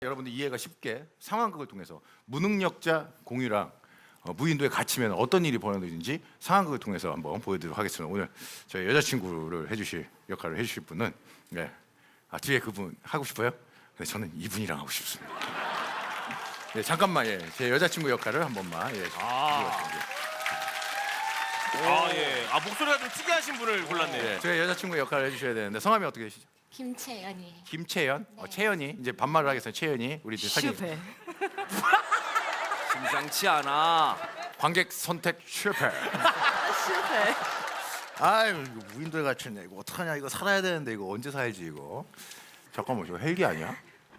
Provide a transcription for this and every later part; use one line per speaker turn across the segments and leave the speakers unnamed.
여러분들 이해가 쉽게 상황극을 통해서 무능력자 공유랑 무인도에 갇히면 어떤 일이 벌어지는지 상황극을 통해서 한번 보여드리도록 하겠습니다. 오늘 저희 여자친구를 해주실 역할을 해주실 분은 뒤에 그분 하고 싶어요? 근데 저는 이분이랑 하고 싶습니다. 네, 잠깐만 제 여자친구 역할을 한 번만
예. 목소리가 좀 특이하신 분을 골랐네요.
제 여자친구 역할을 해주셔야 되는데 성함이 어떻게 되시죠?
김채연이에요.
김채연?
네.
채연이 이제 반말을 하겠어요. 채연이 우리 사진
실패.
심상치 않아.
관객 선택 실패.
실패.
아유 이거 무인도에 갇혔네. 이거 어떡하냐. 이거 살아야 되는데 이거 언제 살지 이거. 잠깐만 이거 헬기 아니야?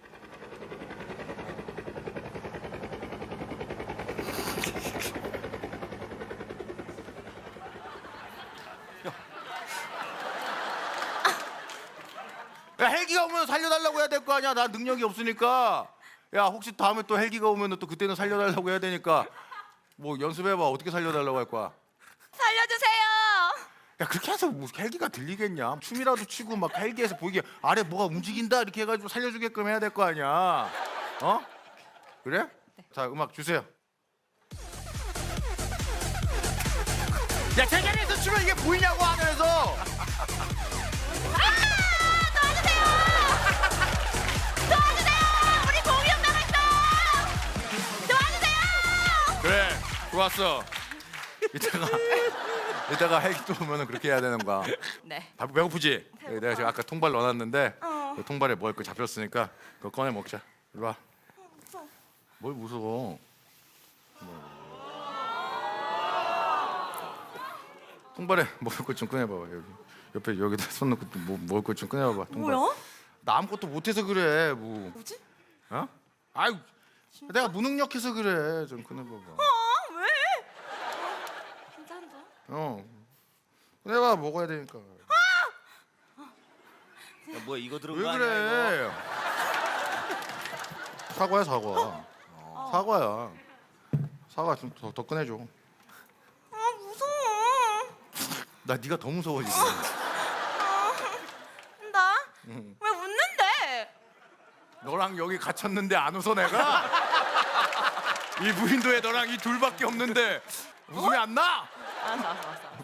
야 헬기가 오면 살려달라고 해야 될 거 아니야. 나 능력이 없으니까. 야 혹시 다음에 또 헬기가 오면 또 그때는 살려달라고 해야 되니까 뭐 연습해봐. 어떻게 살려달라고 할 거야.
살려주세요.
야 그렇게 해서 뭐 헬기가 들리겠냐. 춤이라도 추고 막 헬기에서 보이게 아래 뭐가 움직인다 이렇게 해가지고 살려주게끔 해야 될 거 아니야. 어? 그래? 네. 자 음악 주세요. 야 제자리에서 추면 이게 보이냐고 하늘에서. 그래 좋았어. 이따가 헬기 또 오면은 그렇게 해야 되는 거야.
네.
배고프지? 내가 지금 아까 통발 넣어놨는데 그 통발에 먹을 거 잡혔으니까 그거 꺼내 먹자. 이리 와. 뭘 무서워? 통발에 먹을 것 좀 꺼내봐봐. 여기 옆에 여기다 손 넣고 뭐 먹을 것 좀 꺼내봐봐. 통발.
뭐야?
나 아무것도 못해서 그래.
뭐지?
어? 아유 내가 무능력해서 그래. 좀 꺼내봐봐.
왜? 괜찮다.
꺼내봐. 먹어야 되니까.
야, 뭐야 이거 들은
왜
거 아니야
그래? 사과야 사과. 사과야. 사과 좀 더 꺼내줘.
아 무서워.
나 네가 더 무서워 지금.
나? 왜 웃는데?
너랑 여기 갇혔는데 안 웃어 내가? 이 무인도에 너랑 이 둘밖에 없는데 웃음이 안 나?
알았어.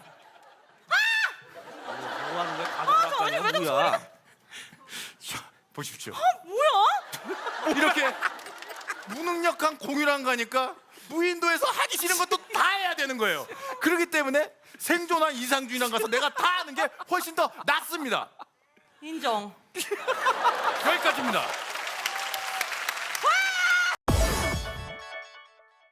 뭐 하는 거야? 가족
아니, 왜
뭐야?
자, 보십시오.
뭐야?
이렇게 무능력한 공유랑 가니까 무인도에서 하기 싫은 것도 다 해야 되는 거예요. 그렇기 때문에 생존한 이상주의랑 가서 내가 다 하는 게 훨씬 더 낫습니다.
인정.
여기까지입니다.